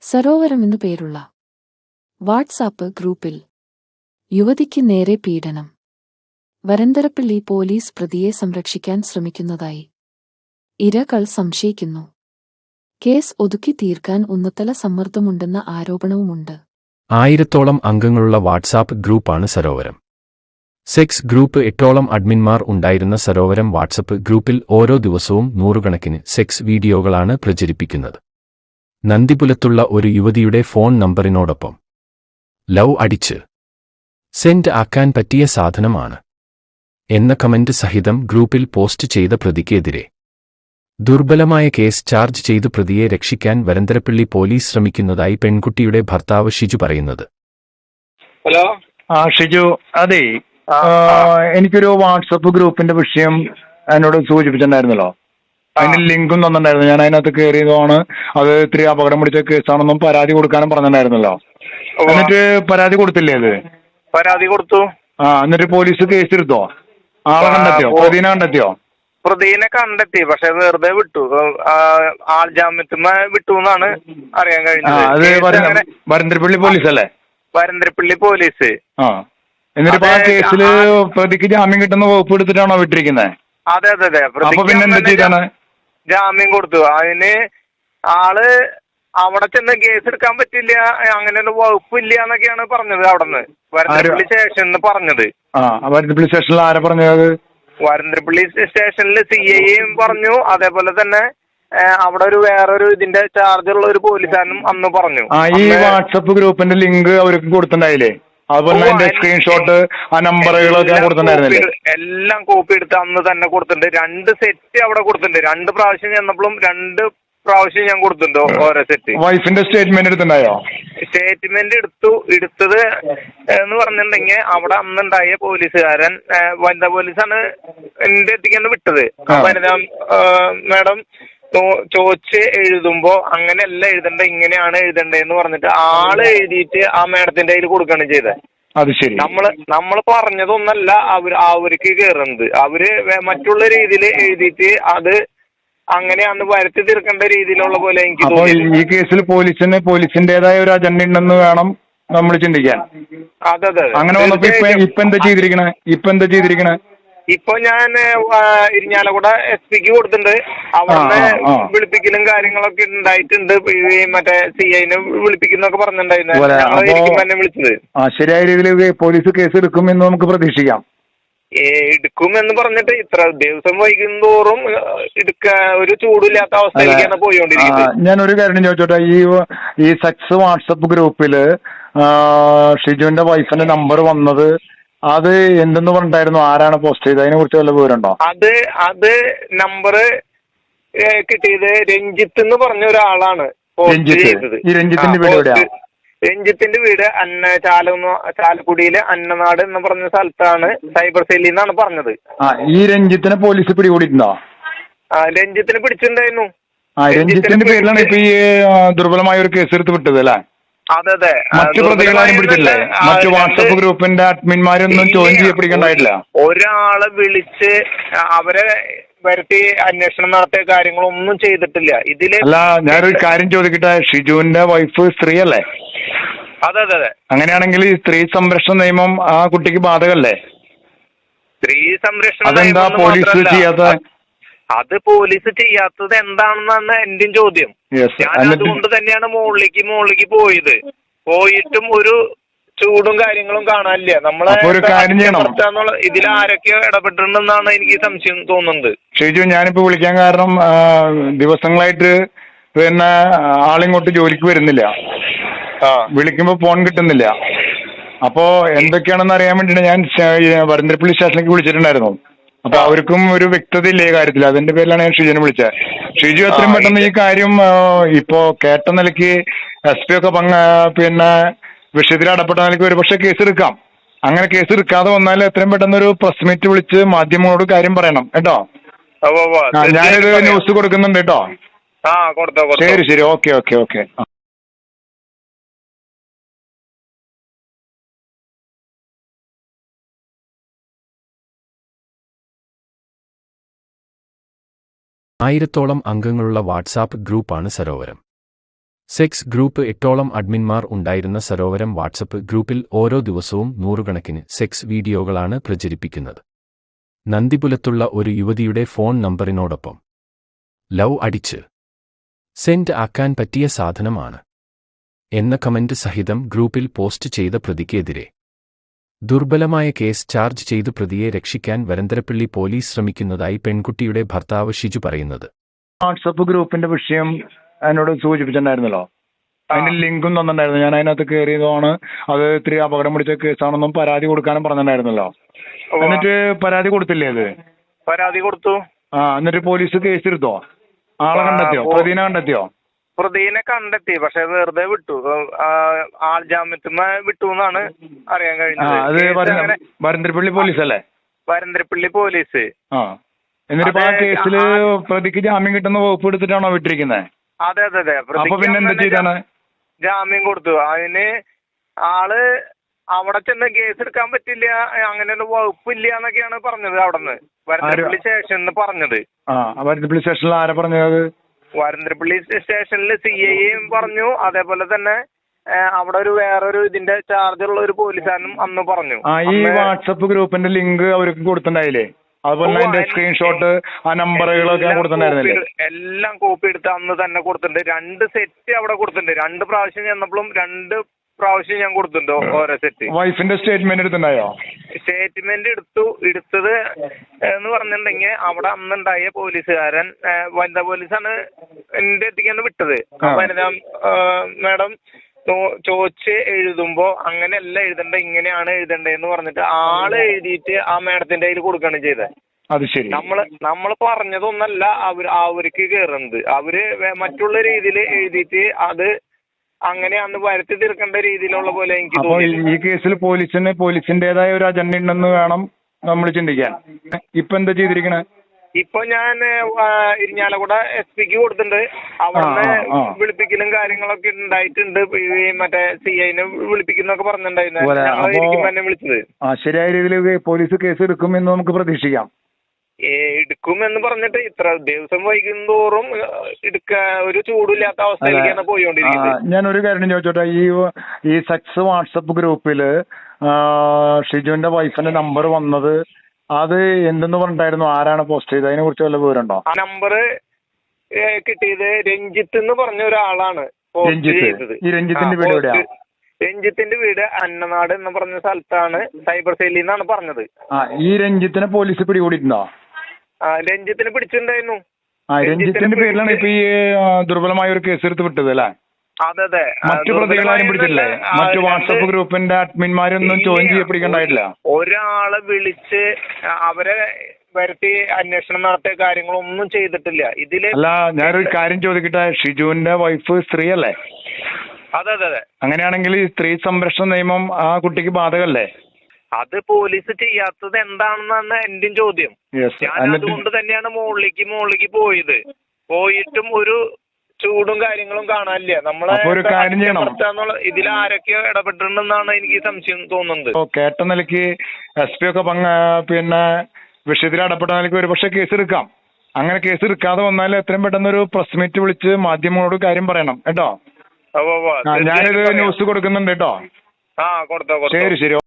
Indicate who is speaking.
Speaker 1: സരോവരം എന്നു പേരുള്ള വാട്സാപ്പ് ഗ്രൂപ്പിൽ യുവതിക്ക് നേരെ പീഡനം. വരന്തരപ്പള്ളി പോലീസ് പ്രതിയെ സംരക്ഷിക്കാൻ ശ്രമിക്കുന്നതായി ഇരകൾ സംശയിക്കുന്നു. കേസ് ഒതുക്കി തീർക്കാൻ ഉന്നതല സമ്മർദ്ദമുണ്ടെന്ന ആരോപണവുമുണ്ട്.
Speaker 2: 1000-ഓളം അംഗങ്ങളുള്ള വാട്സാപ്പ് ഗ്രൂപ്പാണ് സരോവരം. സെക്സ് ഗ്രൂപ്പ് 8ഓളം അഡ്മിന്മാർ ഉണ്ടായിരുന്ന സരോവരം വാട്സപ്പ് ഗ്രൂപ്പിൽ ഓരോ ദിവസവും നൂറുകണക്കിന് സെക്സ് വീഡിയോകളാണ് പ്രചരിപ്പിക്കുന്നത്. നന്ദിപുലത്തുള്ള ഒരു യുവതിയുടെ ഫോൺ നമ്പറിനോടൊപ്പം ലവ് അടിച്ച് സെൻഡ് ആക്കാൻ പറ്റിയ സാധനമാണ് എന്ന കമന്റ് സഹിതം ഗ്രൂപ്പിൽ പോസ്റ്റ് ചെയ്ത പ്രതിക്കെതിരെ ദുർബലമായ കേസ് ചാർജ് ചെയ്ത് പ്രതിയെ രക്ഷിക്കാൻ വരന്തരപ്പള്ളി പോലീസ് ശ്രമിക്കുന്നതായി പെൺകുട്ടിയുടെ ഭർത്താവ് ഷിജു പറയുന്നത്.
Speaker 3: ഹലോ,
Speaker 4: ഷിജു, അതെ, എനിക്കൊരു വാട്സപ്പ് ഗ്രൂപ്പിന്റെ വിഷയം എന്നോട് സൂചിപ്പിച്ചിട്ടുണ്ടായിരുന്നല്ലോ. അതിന്റെ ലിങ്കും തന്നിട്ടുണ്ടായിരുന്നു. ഞാൻ അതിനകത്ത് കയറിയതാണ്. അത് ഇത്തിരി അപകടം പിടിച്ച കേസാണെന്നും പരാതി കൊടുക്കാനും പറഞ്ഞിട്ടുണ്ടായിരുന്നല്ലോ. എന്നിട്ട് പരാതി കൊടുത്തില്ലേ? അത്
Speaker 3: പരാതി കൊടുത്തു.
Speaker 4: എന്നിട്ട് പോലീസ് കേസ് എടുത്തോ? ആളെ കണ്ടെത്തിയോ? പ്രതിനെ കണ്ടെത്തിയോ?
Speaker 3: പ്രതിനെ കണ്ടെത്തി, പക്ഷെ വെറുതെ വിട്ടു. ആൾ ജാമ്യത്തിന് വിട്ടു എന്നാണ് അറിയാൻ കഴിഞ്ഞത്.
Speaker 4: അത് വരന്തരപ്പള്ളി പോലീസ് അല്ലേ?
Speaker 3: വരന്തരപ്പള്ളി പോലീസ്.
Speaker 4: എന്നിട്ട് ആ കേസില് പ്രതിക്ക് ജാമ്യം കിട്ടുന്ന വകുപ്പ് എടുത്തിട്ടാണോ വിട്ടിരിക്കുന്നത്?
Speaker 3: അതെ അതെ അതെ.
Speaker 4: അപ്പൊ പിന്നെ എന്താ ചെയ്താണ്?
Speaker 3: ജാമ്യം കൊടുത്തു. അതിന് ആള് അവിടെ ചെന്ന് കേസ് എടുക്കാൻ പറ്റില്ല, അങ്ങനെ ഒരു വകുപ്പില്ല എന്നൊക്കെയാണ് പറഞ്ഞത്. അവിടുന്ന് വരന്തരപ്പള്ളി സ്റ്റേഷനിൽ പറഞ്ഞത്.
Speaker 4: വരന്തരപ്പള്ളി സ്റ്റേഷനിൽ ആരാ പറഞ്ഞത്?
Speaker 3: വരന്തരപ്പള്ളി സ്റ്റേഷനിൽ CIയും പറഞ്ഞു. അതേപോലെ തന്നെ അവിടെ ഒരു വേറൊരു ഇതിന്റെ ചാർജുള്ള ഒരു പോലീസുകാരനും അന്ന് പറഞ്ഞു.
Speaker 4: ഈ വാട്സപ്പ് ഗ്രൂപ്പിന്റെ ലിങ്ക് അവർക്ക് കൊടുത്തിട്ടുണ്ടായില്ലേ? അതുപോലെ അതിന്റെ സ്ക്രീൻഷോട്ട്, ആ നമ്പറുകളൊക്കെ കൊടുത്തിട്ടുണ്ടായിരുന്നില്ലേ?
Speaker 3: എല്ലാം കോപ്പി എടുത്ത് അന്ന് തന്നെ കൊടുത്തിട്ടുണ്ട്. 2 സെറ്റ് അവിടെ കൊടുത്തിട്ടുണ്ട്. 2 പ്രാവശ്യം ചെന്നപ്പോഴും 2 പ്രാവശ്യം ഞാൻ കൊടുത്തിട്ടുണ്ടോ ഓരോ സെറ്റ്.
Speaker 4: വൈഫിന്റെ സ്റ്റേറ്റ്മെന്റ് എടുത്തിട്ടുണ്ടായോ?
Speaker 3: സ്റ്റേറ്റ്മെന്റ് എടുത്തത് എന്ന് പറഞ്ഞിട്ടുണ്ടെങ്കിൽ അവിടെ അന്നുണ്ടായ പോലീസുകാരൻ വനിതാ പോലീസാണ് എന്റെ എത്തിക്കാൻ വിട്ടത്. വനിതാ മാഡം ചോദിച്ച് എഴുതുമ്പോ അങ്ങനെയല്ല എഴുതണ്ട, ഇങ്ങനെയാണ് എഴുതണ്ടേന്ന് പറഞ്ഞിട്ട് ആള് എഴുതിയിട്ട് ആ മാഡത്തിന്റെ കയ്യിൽ കൊടുക്കുകയാണ് ചെയ്തത്.
Speaker 4: അത് ശരി.
Speaker 3: നമ്മള് പറഞ്ഞതൊന്നല്ല അവർക്ക് കയറുന്നത്. അവര് മറ്റുള്ള രീതിയിൽ എഴുതിയിട്ട് അത് അങ്ങനെയാന്ന് വരുത്തി തീർക്കേണ്ട രീതിയിലുള്ള പോലെ എനിക്ക് തോന്നി.
Speaker 4: ഈ കേസിൽ പോലീസിന്റേതായ ഒരു അജണ്ട ഉണ്ടെന്ന് വേണം നമ്മൾ ചിന്തിക്കാൻ.
Speaker 3: അതെ അതെ.
Speaker 4: അങ്ങനെ വന്നപ്പോ ഇപ്പൊ എന്താ ചെയ്തിരിക്കണേ?
Speaker 3: ഇപ്പൊ ഞാൻ ഇരിഞ്ഞാലക്കുട SP-ക്ക് കൊടുത്തിട്ടുണ്ട്. അവിടെ വിളിപ്പിക്കലും കാര്യങ്ങളൊക്കെ ഉണ്ടായിട്ടുണ്ട്. മറ്റേ CIനെ വിളിപ്പിക്കുന്നൊക്കെ പറഞ്ഞിട്ടുണ്ടായിരുന്നു. എന്നെ വിളിച്ചത്.
Speaker 4: ശരിയായ രീതിയിൽ പോലീസ് കേസ് എടുക്കുമെന്ന് നമുക്ക് പ്രതീക്ഷിക്കാം.
Speaker 3: എടുക്കുമെന്ന് പറഞ്ഞിട്ട് ഇത്ര ദിവസം വൈകുന്തോറും ഒരു ചൂടില്ലാത്ത അവസ്ഥയിലേക്കാണ് പോയിക്കൊണ്ടിരിക്കുന്നത്.
Speaker 4: ഞാനൊരു കാര്യം ചോദിച്ചോട്ടെ, ഈ സെക്സ് വാട്സപ്പ് ഗ്രൂപ്പില് ഷിജുവിന്റെ വൈഫിന്റെ നമ്പർ വന്നത് അത് എന്തെന്ന് പറഞ്ഞിട്ടായിരുന്നു? ആരാണ് പോസ്റ്റ് ചെയ്തത്? അതിനെ കുറിച്ച് വല്ല വിവരമുണ്ടോ?
Speaker 3: അത് നമ്പർ കിട്ടിയത് രഞ്ജിത്ത് എന്ന് പറഞ്ഞ ഒരാളാണ് പോസ്റ്റ് ചെയ്തത്.
Speaker 4: ഈ രഞ്ജിത്തിന്റെ വീട് എവിടെയാ?
Speaker 3: രഞ്ജിത്തിന്റെ വീട് ചാലക്കുടിയിലെ അന്നനാട് എന്ന് പറഞ്ഞ സ്ഥലത്താണ്. സൈബർ സെല്ലിൽ നിന്നാണ് പറഞ്ഞത്.
Speaker 4: ഈ രഞ്ജിത്തിനെ പോലീസ് പിടികൂടിയിട്ടുണ്ടോ?
Speaker 3: രഞ്ജിത്തിനെ പിടിച്ചിട്ടുണ്ടായിരുന്നു.
Speaker 4: രഞ്ജിത്തിന്റെ പേരിലാണ് ഇപ്പൊ ഈ ദുർബലമായ ഒരു കേസ് എടുത്ത് വിട്ടത് അല്ലേ?
Speaker 3: അതെ അതെ.
Speaker 4: മറ്റു പ്രതികളാരും പിടിച്ചില്ലേ? മറ്റു വാട്സപ്പ് ഗ്രൂപ്പിന്റെ അഡ്മിന്മാരൊന്നും ചോദ്യം ചെയ്യപ്പെടിക്കണ്ടായിട്ടില്ല.
Speaker 3: ഒരാളെ വിളിച്ച് അവരെ വരുത്തി അന്വേഷണം നടത്തിയ കാര്യങ്ങളൊന്നും ചെയ്തിട്ടില്ല ഇതില്.
Speaker 4: അല്ല, ഞാനൊരു കാര്യം ചോദിക്കട്ടെ, ഷിജുവിന്റെ വൈഫ് സ്ത്രീ അല്ലേ?
Speaker 3: അതെ അതെ അതെ.
Speaker 4: അങ്ങനെയാണെങ്കിൽ ഈ സ്ത്രീ സംരക്ഷണ നിയമം ആ കുട്ടിക്ക് ബാധകല്ലേ?
Speaker 3: സ്ത്രീ സംരക്ഷണ
Speaker 4: അതെന്താ പോലീസ് ചെയ്യാത്ത?
Speaker 3: അത് പോലീസ് ചെയ്യാത്തത് എന്താണെന്നാണ് എന്റെയും ചോദ്യം. ഞാൻ അതുകൊണ്ട് തന്നെയാണ് മുകളിലേക്ക് പോയിട്ടും ഒരു ചൂടും കാര്യങ്ങളും കാണാനില്ല. നമ്മളെ ഇതിൽ ആരൊക്കെയോ ഇടപെട്ടിട്ടുണ്ടെന്നാണ് എനിക്ക് സംശയം തോന്നുന്നത്.
Speaker 4: ഷിജു, ഞാനിപ്പോ വിളിക്കാൻ കാരണം ദിവസങ്ങളായിട്ട് പിന്നെ ആളിങ്ങോട്ട് ജോലിക്ക് വരുന്നില്ല. വിളിക്കുമ്പോ ഫോൺ കിട്ടുന്നില്ല. അപ്പോ എന്തൊക്കെയാണെന്ന് അറിയാൻ വേണ്ടിട്ട് ഞാൻ വരന്തരപ്പള്ളി സ്റ്റേഷനിലേക്ക് വിളിച്ചിട്ടുണ്ടായിരുന്നു. അപ്പൊ അവർക്കും ഒരു വ്യക്തത ഇല്ല ഈ കാര്യത്തിൽ. അതിന്റെ പേരിലാണ് ഞാൻ ഷിജുവിനെ വിളിച്ചത്. ഷിജു എത്രയും പെട്ടെന്ന് ഈ കാര്യം ഇപ്പോ കേട്ട നിലയ്ക്ക് SP ഒക്കെ പിന്നെ വിഷയത്തിൽ അടപ്പെട്ട നിലയ്ക്ക് ഒരുപക്ഷെ കേസ് എടുക്കാം. അങ്ങനെ കേസ് എടുക്കാതെ വന്നാൽ എത്രയും പെട്ടെന്ന് ഒരു പ്രസ് മീറ്റ് വിളിച്ച് മാധ്യമങ്ങളോട് കാര്യം പറയണം കേട്ടോ. ഞാനിത് ന്യൂസ് കൊടുക്കുന്നുണ്ട് കേട്ടോ. ശരി. ഓക്കെ.
Speaker 2: 1000-ഓളം അംഗങ്ങളുള്ള വാട്സാപ്പ് ഗ്രൂപ്പാണ് സരോവരം. സെക്സ് ഗ്രൂപ്പ് 8ഓളം അഡ്മിന്മാർ ഉണ്ടായിരുന്ന സരോവരം വാട്സപ്പ് ഗ്രൂപ്പിൽ ഓരോ ദിവസവും നൂറുകണക്കിന് സെക്സ് വീഡിയോകളാണ് പ്രചരിപ്പിക്കുന്നത്. നന്ദിപുലത്തുള്ള ഒരു യുവതിയുടെ ഫോൺ നമ്പറിനോടൊപ്പം ലവ് അടിച്ച് സെൻഡ് ആക്കാൻ പറ്റിയ സാധനമാണ് എന്ന കമന്റ് സഹിതം ഗ്രൂപ്പിൽ പോസ്റ്റ് ചെയ്ത പ്രതിക്കെതിരെ ദുർബലമായ കേസ് ചാർജ് ചെയ്ത് പ്രതിയെ രക്ഷിക്കാൻ വരന്തരപ്പള്ളി പോലീസ് ശ്രമിക്കുന്നതായി പെൺകുട്ടിയുടെ ഭർത്താവ് ഷിജു പറയുന്നത്.
Speaker 4: വാട്സപ്പ് ഗ്രൂപ്പിന്റെ വിഷയം എന്നോട് സൂചിപ്പിച്ചിട്ടുണ്ടായിരുന്നല്ലോ. അതിന്റെ ലിങ്കും തന്നിട്ടുണ്ടായിരുന്നു. ഞാൻ അതിനകത്ത് കയറിയതാണ്. അത് ഇത്തിരി അപകടം പിടിച്ച കേസാണെന്നും പരാതി കൊടുക്കാനും പറഞ്ഞിട്ടുണ്ടായിരുന്നല്ലോ. എന്നിട്ട് പരാതി കൊടുത്തില്ലേ? അത്
Speaker 3: പരാതി കൊടുത്തു.
Speaker 4: എന്നിട്ട് പോലീസ് കേസ് എടുത്തോ? ആളെ കണ്ടെത്തിയോ? പ്രതിനെ കണ്ടെത്തിയോ?
Speaker 3: പ്രതിനെ കണ്ടെത്തി, പക്ഷെ വെറുതെ വിട്ടു. ആൾ ജാമ്യത്തിന്മേ വിട്ടു എന്നാണ് അറിയാൻ കഴിഞ്ഞത്.
Speaker 4: അത് വരന്തരപ്പള്ളി പോലീസ് അല്ലേ?
Speaker 3: വരന്തരപ്പള്ളി പോലീസ്.
Speaker 4: എന്നിട്ട് ആ കേസില് പ്രതിക്ക് ജാമ്യം കിട്ടുന്ന വകുപ്പ് എടുത്തിട്ടാണോ വിട്ടിരിക്കുന്നത്?
Speaker 3: അതെ അതെ അതെ.
Speaker 4: അപ്പൊ പിന്നെ എന്താ ചെയ്താണ്?
Speaker 3: ജാമ്യം കൊടുത്തു. അതിന് ആള് അവിടെ ചെന്ന് കേസ് എടുക്കാൻ പറ്റില്ല, അങ്ങനെയുള്ള വകുപ്പില്ല എന്നൊക്കെയാണ് പറഞ്ഞത്. അവിടുന്ന് വരന്തരപ്പള്ളി സ്റ്റേഷനിൽ പറഞ്ഞത്.
Speaker 4: വരന്തരപ്പള്ളി സ്റ്റേഷനിൽ ആരാ പറഞ്ഞത്?
Speaker 3: വരന്തരപ്പള്ളി സ്റ്റേഷനിൽ CIയും പറഞ്ഞു. അതേപോലെ തന്നെ അവിടെ ഒരു വേറൊരു ഇതിന്റെ ചാർജുള്ള ഒരു പോലീസുകാരനും അന്ന് പറഞ്ഞു.
Speaker 4: ഈ വാട്സപ്പ് ഗ്രൂപ്പിന്റെ ലിങ്ക് അവർക്ക് കൊടുത്തിട്ടുണ്ടായില്ലേ? അതുപോലെ അതിന്റെ സ്ക്രീൻഷോട്ട്, ആ നമ്പറുകളൊക്കെ കൊടുത്തിട്ടുണ്ടായിരുന്നില്ലേ?
Speaker 3: എല്ലാം കോപ്പി എടുത്ത് അന്ന് തന്നെ കൊടുത്തിട്ടുണ്ട്. 2 സെറ്റ് അവിടെ കൊടുത്തിട്ടുണ്ട്. 2 പ്രാവശ്യം ചെന്നപ്പോഴും 2 പ്രാവശ്യം ഞാൻ കൊടുത്തിട്ടുണ്ടോ ഓരോ സെറ്റ്.
Speaker 4: വൈഫിന്റെ സ്റ്റേറ്റ്മെന്റ് എടുത്തിട്ടുണ്ടായോ?
Speaker 3: സ്റ്റേറ്റ്മെന്റ് എടുത്തത് എന്ന് പറഞ്ഞിട്ടുണ്ടെങ്കിൽ അവിടെ അന്നുണ്ടായ പോലീസുകാരൻ വനിതാ പോലീസാണ് എന്റെ എത്തിക്കാന്ന് വിട്ടത്. വനിതാ മാഡം ചോദിച്ച് എഴുതുമ്പോ അങ്ങനെയല്ല എഴുതണ്ട, ഇങ്ങനെയാണ് എഴുതണ്ടേന്ന് പറഞ്ഞിട്ട് ആള് എഴുതിയിട്ട് ആ മാഡത്തിന്റെ കയ്യിൽ കൊടുക്കുകയാണ് ചെയ്തത്.
Speaker 4: അത് ശരി.
Speaker 3: നമ്മള് പറഞ്ഞതൊന്നല്ല അവർക്ക് കേറുന്നത്. അവര് മറ്റുള്ള രീതിയിൽ എഴുതിയിട്ട് അത് അങ്ങനെയാന്ന് വരുത്തി തീർക്കേണ്ട രീതിയിലുള്ള പോലെ എനിക്ക് തോന്നി.
Speaker 4: ഈ കേസിൽ പോലീസിന്റേതായ ഒരു അജണ്ട ഉണ്ടെന്ന് വേണം നമ്മൾ ചിന്തിക്കാൻ. ഇപ്പൊ എന്താ ചെയ്തിരിക്കണേ?
Speaker 3: ഇപ്പൊ ഞാൻ ഇരിഞ്ഞാലക്കുട SPക്ക് കൊടുത്തിട്ടുണ്ട്. അവിടെ വിളിപ്പിക്കലും കാര്യങ്ങളൊക്കെ ഉണ്ടായിട്ടുണ്ട്. മറ്റേ CIനെ വിളിപ്പിക്കുന്നൊക്കെ പറഞ്ഞിട്ടുണ്ടായിരുന്നു. തന്നെ വിളിച്ചത്.
Speaker 4: ശരിയായ രീതിയിൽ പോലീസ് കേസ് എടുക്കുമെന്ന് നമുക്ക് പ്രതീക്ഷിക്കാം.
Speaker 3: എടുക്കുമെന്ന് പറഞ്ഞിട്ട് ഇത്ര ദിവസം വൈകുന്തോറും ഒരു ചൂടില്ലാത്ത അവസ്ഥയിലേക്കാണ് പോയിക്കൊണ്ടിരിക്കുന്നത്.
Speaker 4: ഞാനൊരു കാര്യം ചോദിച്ചോട്ടെ, ഈ സെക്സ് വാട്സപ്പ് ഗ്രൂപ്പില് ഷിജുവിന്റെ വൈഫിന്റെ നമ്പർ വന്നത് അത് എന്തെന്ന് പറഞ്ഞിട്ടായിരുന്നു? ആരാണ് പോസ്റ്റ് ചെയ്തത്? അതിനെ കുറിച്ച് വല്ല വിവരമുണ്ടോ?
Speaker 3: ആ നമ്പർ കിട്ടിയത് രഞ്ജിത്ത് എന്ന് പറഞ്ഞ ഒരാളാണ് പോസ്റ്റ് ചെയ്തത്.
Speaker 4: ഈ രഞ്ജിത്തിന്റെ വീട് എവിടെയാ?
Speaker 3: രഞ്ജിത്തിന്റെ വീട് അന്നനാട് എന്ന് പറഞ്ഞ സ്ഥലത്താണ്. സൈബർ സെല്ലിൽ നിന്നാണ് പറഞ്ഞത്.
Speaker 4: ഈ രഞ്ജിത്തിനെ പോലീസ് പിടികൂടിയിട്ടുണ്ടോ?
Speaker 3: രഞ്ജിത്തിനെ പിടിച്ചിട്ടുണ്ടായിരുന്നു.
Speaker 4: രഞ്ജിത്തിന്റെ പേരിലാണ് ഇപ്പൊ ഈ ദുർബലമായ ഒരു കേസ് എടുത്ത് വിട്ടത് അല്ലേ?
Speaker 3: അതെ അതെ.
Speaker 4: മറ്റു പ്രതികളാരും പിടിച്ചില്ലേ? മറ്റു വാട്സപ്പ് ഗ്രൂപ്പിന്റെ അഡ്മിന്മാരൊന്നും ചോദ്യം ചെയ്യപ്പെടിക്കണ്ടായിട്ടില്ല?
Speaker 3: ഒരാളെ വിളിച്ച് അവരെ വരുത്തി അന്വേഷണം നടത്തിയ കാര്യങ്ങളൊന്നും ചെയ്തിട്ടില്ല ഇതില്.
Speaker 4: അല്ല, ഞാനൊരു കാര്യം ചോദിക്കട്ടെ, ഷിജുവിന്റെ വൈഫ് സ്ത്രീ അല്ലേ?
Speaker 3: അതെ അതെ അതെ.
Speaker 4: അങ്ങനെയാണെങ്കിൽ ഈ സ്ത്രീ സംരക്ഷണ നിയമം ആ കുട്ടിക്ക് ബാധകല്ലേ?
Speaker 3: അത് പോലീസ് ചെയ്യാത്തത് എന്താണെന്നാണ് എന്റെയും ചോദ്യം. ഞാൻ അതുകൊണ്ട് തന്നെയാണ് മുകളിലേക്ക് പോയിട്ടും ഒരു ചൂടും കാര്യങ്ങളും കാണാനില്ല. നമ്മളെ ഇതിൽ ആരൊക്കെയോ ഇടപെട്ടിട്ടുണ്ടെന്നാണ് എനിക്ക് സംശയം തോന്നുന്നത്.
Speaker 4: കേട്ട നിലയ്ക്ക് SP ഒക്കെ പിന്നെ വിഷയത്തിൽ ഇടപെട്ട നിലയ്ക്ക് ഒരു പക്ഷെ കേസ് എടുക്കാം. അങ്ങനെ കേസ് എടുക്കാതെ വന്നാൽ എത്രയും പെട്ടെന്നൊരു പ്രസ് മീറ്റ് വിളിച്ച് മാധ്യമങ്ങളോട് കാര്യം പറയണം കേട്ടോ. ഞാനിത് ന്യൂസ് കൊടുക്കുന്നുണ്ട് കേട്ടോ.
Speaker 3: കൊടുത്തോ.
Speaker 4: ശരി.